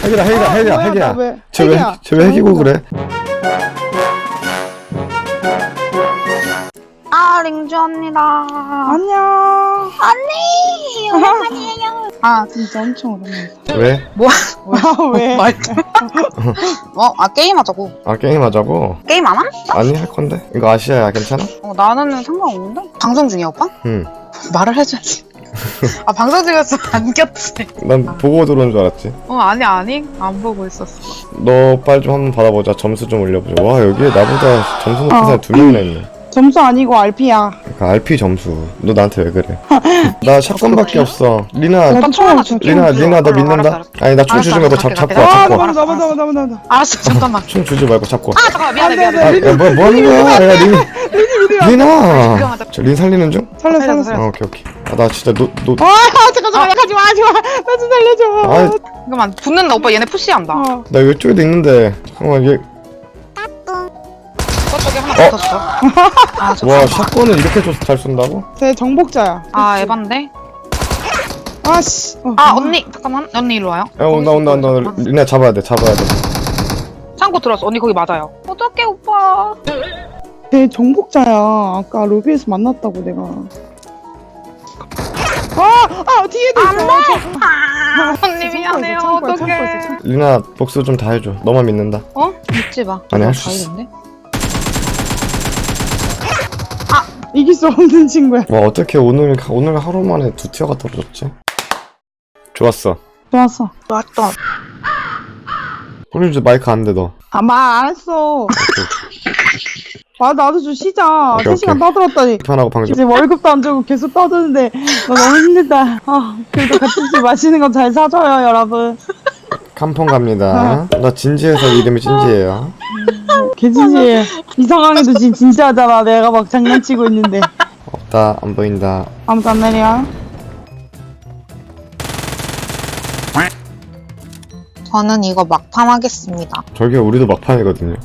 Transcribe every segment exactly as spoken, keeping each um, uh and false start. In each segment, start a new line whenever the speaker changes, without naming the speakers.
핵이다 핵이다
아,
핵이야
뭐야,
핵이야.
나 왜-
쟤왜
핵이야.
쟤왜 핵이고 그래?
아, 링주 언니다.
안녕.
언니, 오랜만이에요.
아 진짜 엄청 오랜만이다.
왜?
뭐?
아 왜?
어, 아 게임하자고.
아 게임하자고?
게임 안 함?
아니 할 건데. 이거 아시아야 괜찮아?
어, 나는 상관없는데. 방송 중이야 오빠?
응.
말을 해줘야지. 아 방송 중이었어 안 꼈지.
난 보고 들어온 줄 알았지.
어 아니 아니 안 보고 있었어.
너 빨리 좀 한번 받아보자. 점수 좀 올려보자. 와 여기에 나보다 점수 높은
어.
사람 두 명이나 있네.
점수 아니고 알피야.
그러니까 알피 점수. 너 나한테 왜 그래? 나 샷건밖에 없어. 리나,
나도 총
하나
좀-
줄게.
리나,
좀
리나 너
알았어,
믿는다?
알았어, 알았어.
아니 나 총
알았어,
주지 말고
알았어,
잡, 잡고
갈게,
와,
아
잡고 와.
나만 나만 나만 나만 나만.
알았어 잠깐만.
총 주지 말고 잡고 와.
아 잠깐만 미안해
안 돼, 안
미안해.
돼.
아, 야, 뭐, 뭐 하는 거야? 야, 린, 리나!
이거
저 린 살리는 중?
살려
살려서,
살려.
살려.
아, 오케이, 오케이. 아, 나 진짜 노, 노,
아 잠깐 잠깐 가지 마 하지 마. 나 좀 살려줘.
아,
잠깐만 붙는다 오빠 얘네 푸시한다.
어.
나 이쪽에도 있는데. 잠깐만, 얘,
저쪽에 하나
어?
붙었어. 아 저.
와, 샷건을 이렇게 줘서 잘 쏜다고?
쟤 정복자야.
아 에반데.
아씨. 어.
아 언니 잠깐만 언니 일로 와요.
야, 온다, 온다, 온다. 리나 잡아야 돼, 잡아야 돼.
창고 들어왔어. 언니 거기 맞아요. 어떡해 오빠.
쟤 정복자야. 아까 로비에서 만났다고 내가. 아아 뒤에도 있어.
안돼. 아, 언니 미안해요.
창고에 있어,
어떡해.
창고에 있어, 창고에
리나, 복수 좀 다 해줘. 너만 믿는다.
어? 믿지 마.
아니, 할수 있어.
다이던데?
이길 수 없는 친구야.
와, 어떻게 오늘, 오늘 하루 만에 두 티어가 떨어졌지? 좋았어.
좋았어.
맞다.
우리 이제 마이크 안 돼, 너.
아 말 안 했어. 아 나도 좀 쉬자.
오케이,
세 시간
오케이.
떠들었더니
편하고 방송.
이제 월급도 안 주고 계속 떠드는데 나 너무 힘들다. 아 그래도 같이 술 마시는 거 잘 사줘요 여러분.
칸폰 갑니다. 나 진지해서 이름이 진지해요.
개진지 이상하게도 지금 진지하잖아. 내가 막 장난치고 있는데
없다, 안 보인다.
아무도 안 내려.
저는 이거 막판 하겠습니다.
저기 우리도 막판이거든요.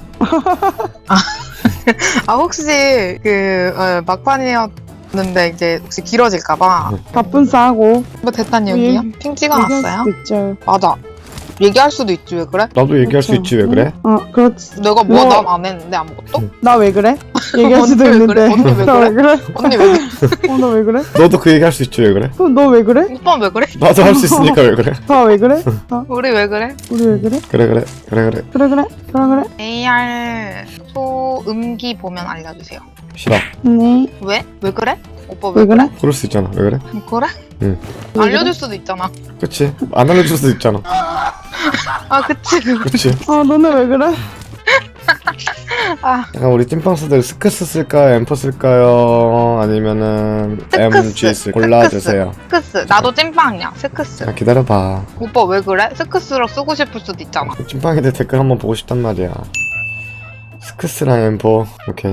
아 혹시 그 어, 막판이었는데 이제 혹시 길어질까봐
바쁜 싸고
뭐 됐단 얘기요?
예.
핑
얘기할
찍어놨어요?
수도 있죠.
맞아. 얘기할 수도 있지 왜 그래?
나도 얘기할 수
그렇죠.
있지 왜 그래?
어 그렇지.
내가 뭐
뭐-
난 안 했는데 아무것도?
나 왜 그래? 얘기할 수도
언니 왜
있는데.
그래? 언니 왜
나 왜 그래?
언니 왜 그래?
어 나 왜 그래?
너도 그 얘기할 수 있지 왜 그래?
그럼 너 왜 그래?
오빠 왜 그래?
나도 할 수 있으니까 왜 그래?
나 왜 그래? 어,
우리 왜 그래?
우리 왜 그래?
그래 그래 그래 그래
그래 그래 그래 그래.
에이알 소음기 보면 알려주세요.
싫어.
네.
왜? 왜 그래? 오빠 왜,
왜 그래?
그럴 수 있잖아 왜 그래?
그래? 그래?
응.
왜
알려줄 수도 있잖아.
그치? 안 알려줄 수도 있잖아.
아 그치 그거.
그치?
아 너네 왜 그래?
아
약간 우리 찐빵스들 스크스 쓸까요? 엠퍼 쓸까요? 아니면은 엠지 쓸 골라주세요.
스크스. 나도 찐빵이야. 스크스.
자 기다려봐.
오빠 왜 그래? 스크스로 쓰고 싶을 수도 있잖아.
찐빵이들 댓글 한번 보고 싶단 말이야. 스크스랑 엠퍼 오케이.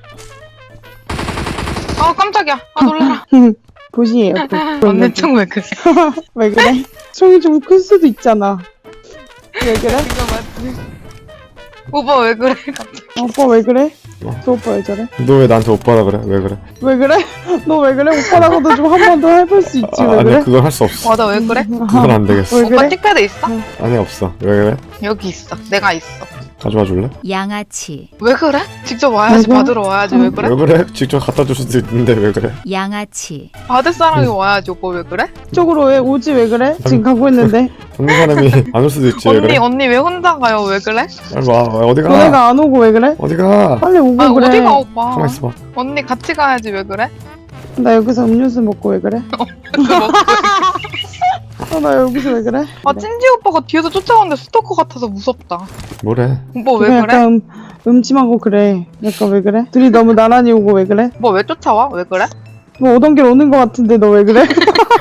아 깜짝이야. 아 놀라라.
보시에요.
언니 총 왜 그래?
왜 그래? 총이 좀 클 수도 있잖아. 왜 그래?
이거 맞지? 오빠 왜 그래? 갑자기.
오빠 왜 그래?
어.
저 오빠 왜 저래?
너 왜 나한테 오빠라 그래? 왜 그래?
왜 그래? 너 왜 그래? 오빠라고도 좀 한 번 더 해볼 수 있지.
아,
왜
아니
그래?
그걸 할 수 없어.
맞아 왜 그래?
그건 안 되겠어.
왜
오빠
그래?
틱패드 있어?
아니 없어. 왜 그래?
여기 있어. 내가 있어.
가져와 줄래?
양아치,
왜 그래? 직접 와야지.
왜 그래?
받으러 와야지. 왜 그래?
왜 그래? 직접 갖다 줄 수도 있는데 왜 그래?
양아치,
받을 사람이 와야지. 오빠 왜 그래?
쪽으로 왜 오지? 왜 그래? 지금 가고 있는데.
받는 사람이 안 올 수도 있지 왜
언니
그래?
언니 왜 혼자 가요? 왜 그래?
빨리 와. 어디 가?
너네가 안 오고 왜 그래?
어디 가?
빨리 오고
아
그래.
어디가 오빠?
가만 있어봐.
언니 같이 가야지. 왜 그래?
나 여기서 음료수 먹고 왜 그래?
그거 먹고.
어, 나 여기서 왜 그래?
아 찐지 오빠가 뒤에서 쫓아오는데 스토커 같아서 무섭다.
뭐래?
오빠 왜
그냥
그래?
약간 음, 음침하고 그래. 약간 왜 그래? 둘이 너무 나란히 오고 왜 그래?
오빠 왜 쫓아와? 왜 그래?
뭐 오던 길 오는 거 같은데 너 왜 그래?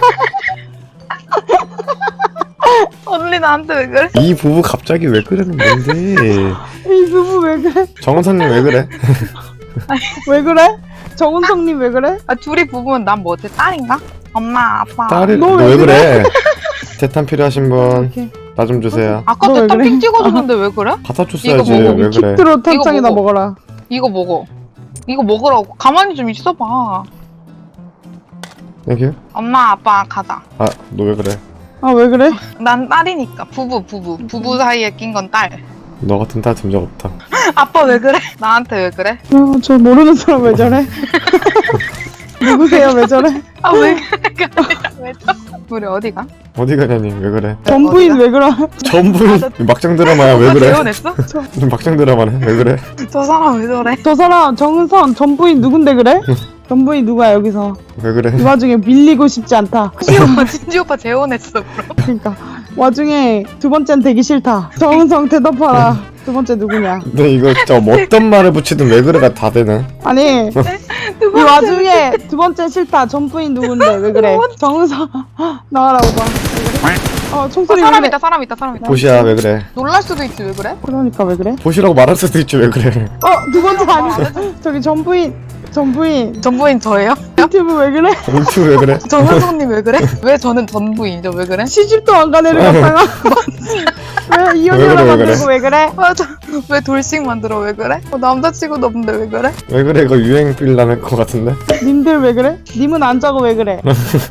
언니 나한테 왜 그래?
이 부부 갑자기 왜 그러는 건데?
이 부부 왜 그래?
정원사님 왜 그래?
왜 그래? 정은성님 왜 그래?
아 둘이 부부면 난 뭐지? 딸인가? 엄마 아빠.
딸이
너
너
왜
왜 그래? 대탄 필요하신 분
이렇게
나 좀 주세요.
아까
너 왜
대탄
그래?
픽 찍어줬는데 왜 그래?
갖다 줬어야지
이거 먹어.
왜 그래?
킥트로 탄창이나
먹어.
먹어라.
이거 먹어. 이거 먹으라고. 가만히 좀 있어봐.
땡큐.
엄마 아빠 가자.
아 너 왜 그래?
아 왜 그래?
난 딸이니까 부부 부부 부부 사이에 낀 건 딸.
너 같은 딸 둔 적 없다.
아빠 왜 그래? 나한테 왜 그래?
아, 저 모르는 사람 왜 저래? 누구세요 왜 저래?
아 왜 그래? 왜 저? 우리 어디가?
어디 가냐니 왜 그래?
전부인
어디가?
왜 그래?
전부인
아, 저-
막장 드라마야 왜 그래?
재혼했어?
막장 드라마네 왜 그래?
저 사람 왜 저래?
저 사람 정은선 전부인 누군데 그래? 전부인 누구야 여기서?
왜 그래?
이 와중에 밀리고 싶지 않다.
진지 오빠 진지 오빠 재혼했어 그럼.
그러니까 와중에 두 번째는 되기 싫다. 정은성 대답하라. 두 번째 누구냐?
너 이거 진짜 뭐 어떤 말을 붙이든 왜 그래가 다 되네.
아니 이 와중에 두 번째 싫다. 전부인 누군데 왜 그래? 정은성 나와라 오빠. 왜 그래? 어
어,
총소리 왜
사람
그래?
있다 사람 있다 사람 있다.
보시야 왜 그래?
놀랄 수도 있지 왜 그래?
그러니까 왜 그래?
보시라고 말할 수도 있지 왜 그래?
어 두 번째 아니야? 저기 전부인 전부인
전부인 저예요?
유튜브 왜 그래?
인투 왜 그래?
정은성님 왜 그래? 왜 저는 전부인이죠 왜 그래?
시집도 안 간 애를 갖다가 왜
왜
이혼녀로
그래, 왜
만들고 왜 그래?
맞아. 왜 돌싱 만들어 왜 그래? 어, 남자치고도 없는데 왜 그래?
왜 그래? 이거 유행 빌 나는 것 같은데?
님들 왜 그래? 님은 안 자고 왜 그래?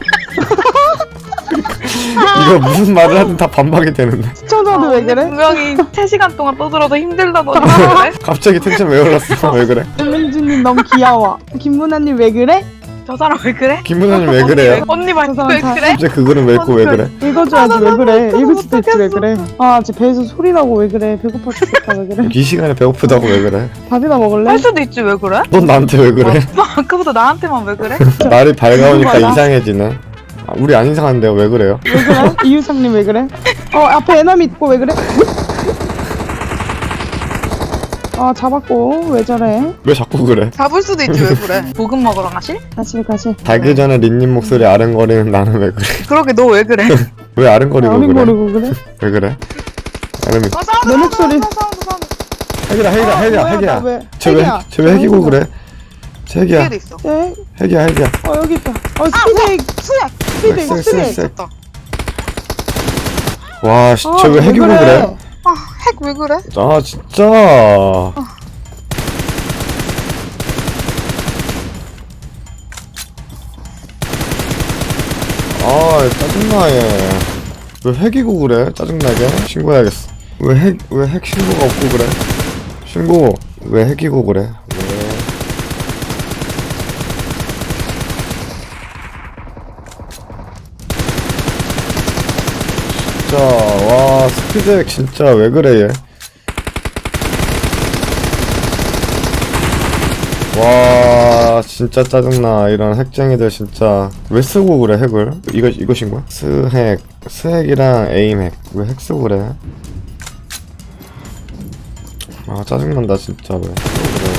이거 무슨 말을 하든 다 반박이 되는데.
시청자들 왜
언니
그래?
분명히 세 시간 동안 떠들어서 힘들다더니 왜 그래?
갑자기 텐션 왜 올랐어? 왜 그래?
김민주님 너무 귀여워. 김문아님 왜 그래?
저 사람 왜 그래?
김문아님 왜 그래요?
언니 말
저
왜
사람
그래?
갑자기 그거는 왜 있고 왜 그래?
읽어줘야지
아,
왜
나
그래?
너무
읽을 수도 있지 왜
못하겠어.
그래? 아, 제 배에서 소리 나고 왜 그래? 배고파 죽겠다 왜 그래?
이 시간에 배고프다고 왜 그래?
밥이나 먹을래?
할 수도 있지 왜 그래?
넌 나한테 왜 그래?
뭐 아까부터 나한테만 왜 그래?
날이 밝아오니까
맞아.
이상해지네. 아, 우리 안 이상한데요 왜 그래요?
왜 그래? 이유상님 왜 그래? 어 앞에 애남 있고 왜 그래? 아 잡았고 왜 저래?
왜 자꾸 그래?
잡을 수도 있지 왜 그래? 볶음 먹으러 가실?
가실 가실.
자기 전에 린님 목소리 아른거리는 나는 왜 그래?
그러게 너 왜 그래?
왜 아른거리고 그래?
어린거리고 그래?
왜 그래? 아름이
아, 사운드,
내
사운드,
목소리.
사운드, 사운드, 사운드.
핵이다 핵이다
아,
핵이야
뭐야,
핵이야.
나 왜-
쟤왜
핵이야.
쟤왜 핵이고 그래? 쟤 핵이야
뒤에도 있어.
네?
핵이야 핵이야.
어 여기 있다. 어 스피드
수야.
스피드
쎄, 쎄,
스피드.
쎄.
됐다.
와, 씨, 쟤왜
아,
핵이고 그래?
아, 핵 왜 그래?
아, 진짜. 아, 짜증나, 얘. 왜 핵이고 그래? 짜증나게? 신고해야겠어. 왜 핵, 왜 핵 신고가 없고 그래? 신고, 왜 핵이고 그래? 왜? 진짜, 와, 스피드핵 진짜 왜 그래, 얘? 와 진짜 짜증나 이런 핵쟁이들 진짜 왜 쓰고 그래 핵을 이거 이것인 거야? 스핵 스핵이랑 에임핵 왜 핵 쓰고 그래? 아 짜증난다 진짜 왜 쓰고 그래?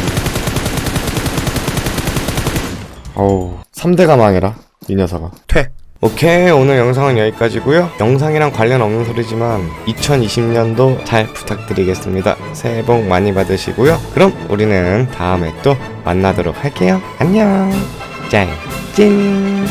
어우 삼 대가 망해라 이 녀석아 퇴 오케이 오늘 영상은 여기까지고요 영상이랑 관련 없는 소리지만 이천이십 년도 잘 부탁드리겠습니다 새해 복 많이 받으시고요 그럼 우리는 다음에 또 만나도록 할게요 안녕 짤찐